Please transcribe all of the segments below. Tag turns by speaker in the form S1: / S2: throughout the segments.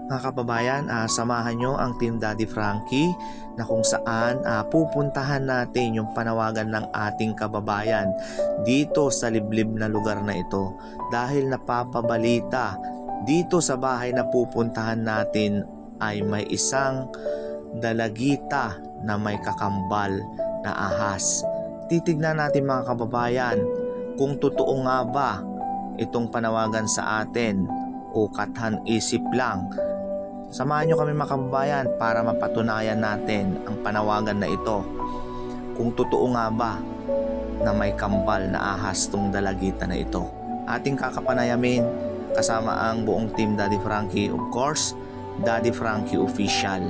S1: Mga kababayan, samahan nyo ang Team Daddy Frankie na kung saan pupuntahan natin yung panawagan ng ating kababayan dito sa liblib na lugar na ito dahil napapabalita dito sa bahay na pupuntahan natin ay may isang dalagita na may kakambal na ahas. Titignan natin mga kababayan kung totoo nga ba itong panawagan sa atin o kathan isip lang. Samahan nyo kami mga kababayan para mapatunayan natin ang panawagan na ito. Kung totoo nga ba na may kambal na ahas tong dalagita na ito. Ating kakapanayamin kasama ang buong Team Daddy Frankie, of course, Daddy Frankie Official.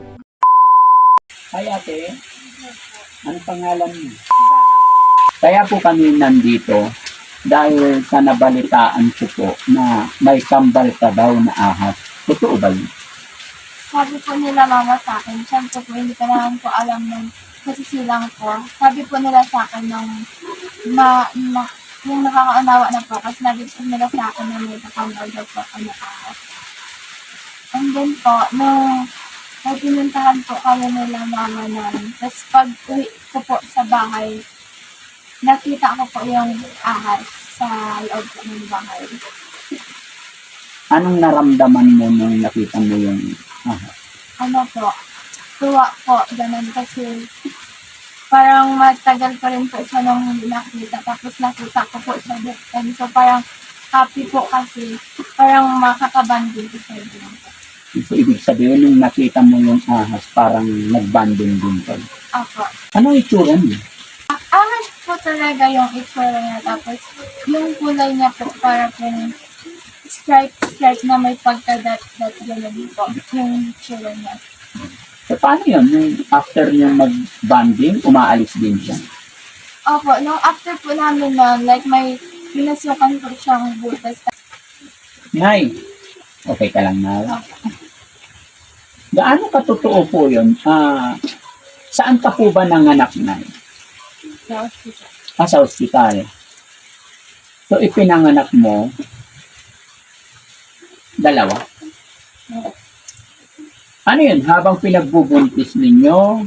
S2: Hi ate, ano pangalan mo? Kaya po kami nandito dahil sa nabalitaan ko po na may kambal ka daw na ahas. Totoo ba yun?
S3: Sabi po nila mama sa akin, siyempre po hindi ko naman po alam nung nasisilang ko. Sabi po nila sa akin nung yung nakakaunawa na po, kasi sabi po nila sa akin na may kakambal daw po ako na ahas. And then po, nung may pinuntahan po kami nila mama namin, tapos pag uwi ko po sa bahay, nakita ko po yung ahas sa loob po ng bahay.
S2: Anong naramdaman mo nung nakita mo yung ahas?
S3: Ano po, tuwa po, ganun kasi parang matagal pa rin po siya nung hindi nakita, tapos nakita ko po siya dito. So parang happy po kasi parang makakabanding ko siya dito.
S2: So, ibig sabihin nung nakita mo yung ahas, parang nagbanding din ka.
S3: Ako.
S2: Ano itsura niya?
S3: Ahas po talaga yung itsura niya, tapos yung kulay niya po para po stripe na may pagka-dot gano'n po, yung itsura niya.
S2: So, paano yun? Yung after niya mag-banding, umaalis din siya?
S3: Opo, nung after po namin na, like may pinasukan po siyang butas.
S2: Nay, okay ka lang na?
S3: Opo.
S2: Gaano katotoo po yun? Saan ka po ba nanganak na?
S3: Sa hospital.
S2: Sa ospital. So, ipinanganak mo, dalawa. Ano yun? Habang pinagbubuntis ninyo,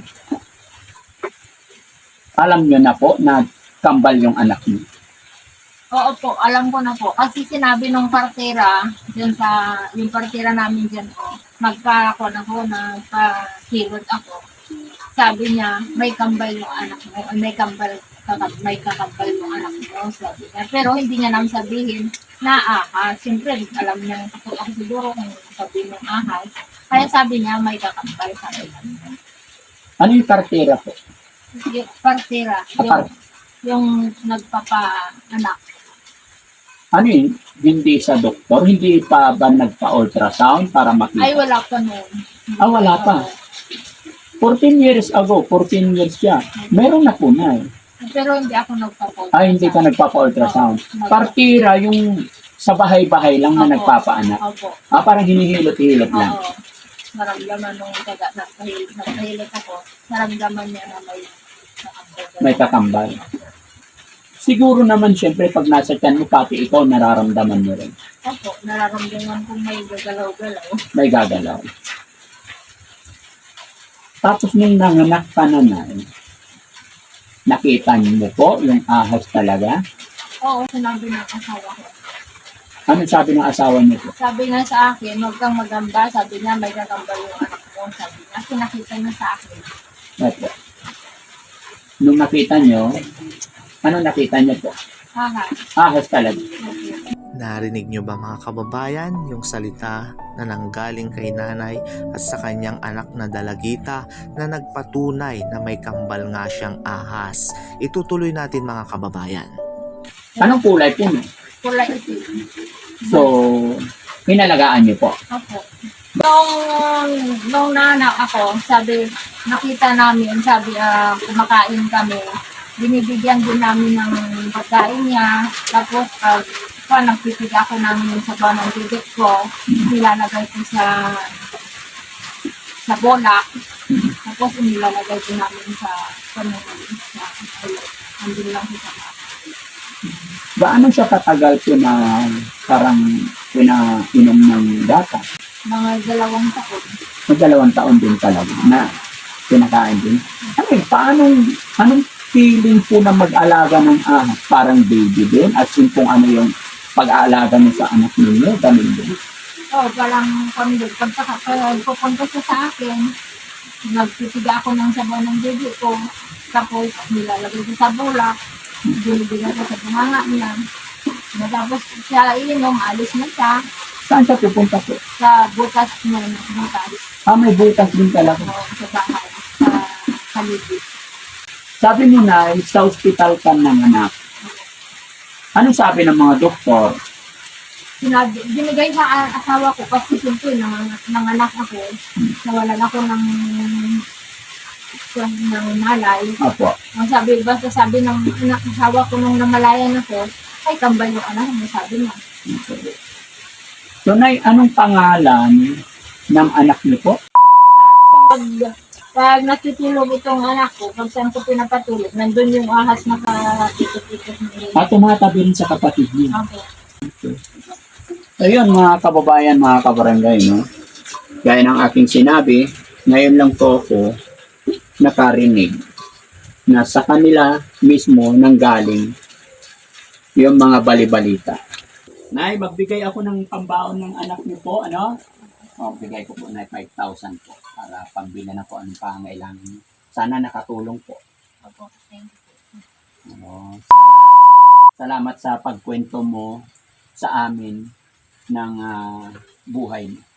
S2: alam nyo na po na kambal yung anak niyo.
S3: Oo po, alam ko na po. Kasi sinabi nung partera, yung partera namin dyan po, magkakon ako, nagpa-keyword ako. Sabi niya, may kambal yung anak mo, may kakambal yung anak mo, sabi niya. Pero hindi niya namin sabihin na ahas. Siyempre, alam niya, ako siguro kung sabihin ng ahas. Kaya sabi niya, may kakambal sa akin.
S2: Ano yung kartera po?
S3: Yung partera, yung nagpapa-anak.
S2: Ano yun? Hindi sa doktor? Hindi pa ba nagpa-ultrasound para makita?
S3: Ay, wala pa noon.
S2: Wala pa. 14 years ago, 14 years siya. Meron na po na eh.
S3: Pero hindi ako nagpapa-ultrasound.
S2: Hindi ka nagpapa-ultrasound. Partira yung sa bahay-bahay lang na nagpapaanak.
S3: Opo.
S2: Parang hinihilot-hilot lang.
S3: Oo. Naramdaman nung nagpahilot ako, naramdaman niya na
S2: May kakambal. Siguro naman siyempre pag nasa tiyan mo, pati ikaw nararamdaman mo rin.
S3: Opo, nararamdaman kong may gagalaw-galaw.
S2: May gagalaw. Tapos nung nanganak ka na nakita niyo po yung ahas talaga?
S3: Oo, sinabi ng asawa ko.
S2: Anong sabi ng asawa niyo po?
S3: Sabi niya sa akin, huwag kang magamba. Sabi niya, may gagamba yung anak mo. Sabi niya, pinakita niya sa akin.
S2: Opo. Nung nakita niyo, ano nakita niyo po?
S3: Ahas.
S2: Ahas talaga.
S1: Narinig nyo ba mga kababayan yung salita na nanggaling kay nanay at sa kanyang anak na dalagita na nagpatunay na may kambal nga siyang ahas? Itutuloy natin mga kababayan.
S2: Anong kulay po no?
S3: Kulay itim.
S2: So, pinalagaan niyo po.
S3: Opo. Nung naanak ako, sabi, nakita namin, sabi, kumakain kami. Binibigyan din namin ng pagkain niya. Tapos, nagpipig ako namin sa bawang ng bibig ko. Nilalagay ko sa bola. Tapos, nilalagay ko namin sa panunod. Andun lang sa
S2: Gaano siya katagal po na parang pinainom ng gatas?
S3: Mga 2 taon.
S2: Mag 2 taon din talaga na pinakain din. Ano anong feeling po na mag-alaga ng ahas? Parang baby din? At yun kung ano yung pag-aalaga niyo sa anak ninyo? Ganun din.
S3: Parang kami pag pupunta siya sa akin, nagtitiga ako ng sabaw ng baby ko, tapos nilalagay ko sa bulak, binibigyan ko sa bunganga niya. Matapos siya iinom, alis na siya
S2: Saan siya pupunta po?
S3: sa butas niya ng butas.
S2: May butas din talaga.
S3: Sa bahay, sa libid.
S2: Sabi mo na, sa hospital ka nanganak. Ano sabi ng mga doktor?
S3: Binigay sa asawa ko kasi siyempre nanganak ako, nawalan ako ng malay.
S2: Apo.
S3: Ang sabi ng asawa ko nung namalayan ako, ay kambal yung anak mo, sabi niya.
S2: So, Nay, anong pangalan ng anak niyo po?
S3: Pag natutulog itong anak ko, pag saan ko pinapatulog, nandun yung ahas na katikot-tikot na
S2: Tumatabi rin sa kapatid niyo.
S3: ako.
S2: Ayun, mga kababayan, mga kabarangay, no? Gaya ng aking sinabi, ngayon lang po ako nakarinig na sa kanila mismo nanggaling yung mga balibalita. Nay, magbigay ako ng pambaon ng anak niyo po, ano? Bigay ko po na 5,000 po para pambili na po ang pangailangan niyo. Sana nakatulong po.
S3: Opo, thank you.
S2: Salamat sa pagkwento mo sa amin ng buhay mo.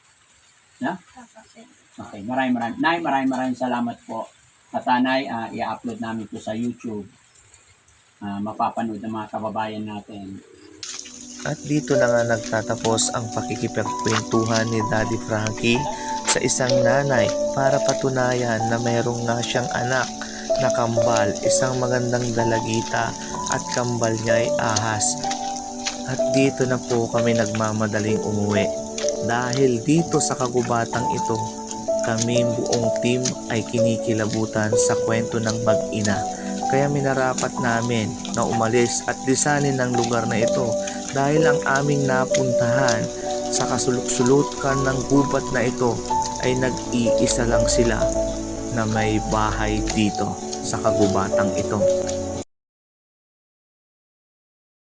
S2: Okay, maraming salamat po. At Nay, i-upload namin po sa YouTube. Mapapanood ng mga kababayan natin.
S1: At dito na nga nagtatapos ang pakikipagkwentuhan ni Daddy Frankie sa isang nanay para patunayan na mayroong nga siyang anak na kambal, isang magandang dalagita at kambal niya ay ahas. At dito na po kami nagmamadaling umuwi dahil dito sa kagubatang ito kami buong team ay kinikilabutan sa kwento ng mag-ina. Kaya minarapat namin na umalis at lisanin ng lugar na ito dahil ang aming napuntahan sa kasulok-sulukan ng gubat na ito ay nag-iisa lang sila na may bahay dito sa kagubatang ito.